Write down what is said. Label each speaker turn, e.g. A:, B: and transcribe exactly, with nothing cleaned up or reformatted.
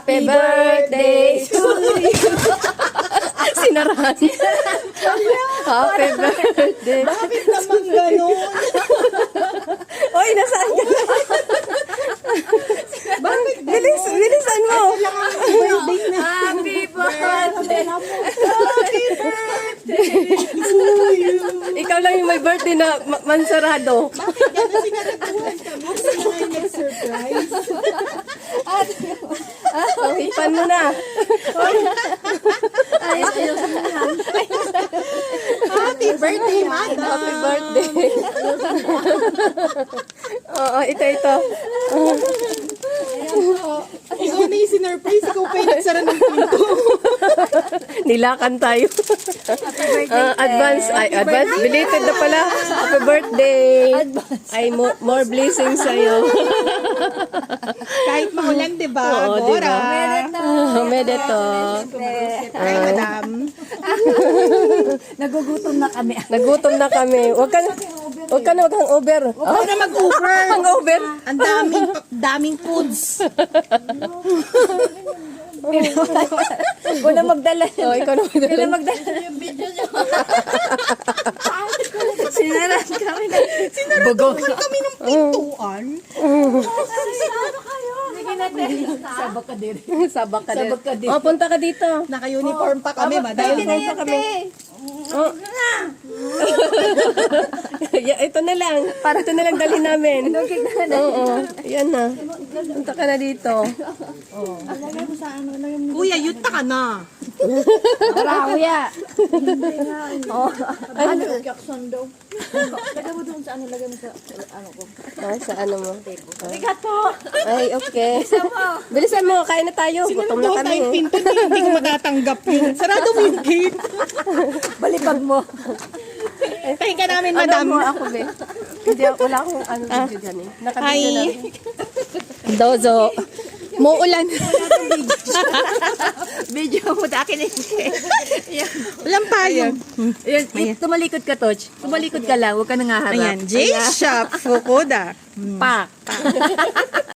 A: Happy birthday to you. Sinarahan. Happy birthday.
B: Bakit naman ganun?
A: Oy, nasaan ka?
B: Bakit
A: Bilis, bilisan mo.
B: birthday na?
C: Happy birthday!
B: Happy birthday to you.
A: Ikaw lang yung may birthday na ma- mansarado.
B: Bakit gano'n sinaraduhan kami? Kasi nga yung nag-surprise.
A: Ipan mo na.
B: Happy birthday, madam.
A: Happy birthday. Oo, ito, ito.
B: Ikaw na yung sinurprise. Ikaw pa yung nagsara ng pinto.
A: Nilakan tayo. Ah, advance, ay, advance, belated na pala. Happy birthday. Ay, mo- more blessings sa'yo.
B: Kahit maulan, di ba?
A: Oo, di
B: Gora.
A: ba? Oh, medeto.
B: Ay, madam.
C: Nagugutom na kami.
A: Nagutom na kami. Huwag ka na, huwag ka na, huwag kang over.
B: Huwag na mag-Uber.
A: Ang over?
B: Ang daming, daming foods.
C: Wala magdala.
A: Oh, ikaw na
C: Wala
A: magdala.
C: magdala yung video nyo. Sinaran kami na.
A: Bugok.
B: Kami ng pintuan.
C: Sige natin. Sabak ka din.
A: Sabak ka din.
C: Sabak ka din.
A: Oh, punta ka dito.
B: Naka-uniform pa kami, madam.
C: Pwede na yun,
A: kami.
C: te.
A: Oh. Ya, ito na lang. Para ito na lang dalhin namin. Oo, yan na. Punta ka na dito.
B: Kuya, yuta ka na.
C: Tara, kuya.
A: Ano?
C: Jackson daw. Lagay mo doon sa ano, lagay mo sa ano ko.
A: Ah, sa ano mo?
C: Tigat po.
A: Ay, okay. Bilisan mo, kain na tayo. Gutom na
B: Sinunod
A: kami.
B: tayong
A: eh.
B: pinto, hindi, hindi ko matatanggap yun. Sarado mo yung gate.
C: Balibag mo.
B: Tahin ka namin,
A: Ano
B: madam.
A: mo ako, be? Hindi, wala akong ano video dyan eh. Nakabidyo
B: Hi.
A: na. Dozo. Muulan.
C: Video mo sa akin eh.
B: Walang payong.
C: Ayan, eh, tumalikod ka, Toch. Tumalikod ka lang, huwag ka nang haharap.
B: Ayan, J-Shop Fukuda.
C: Pak.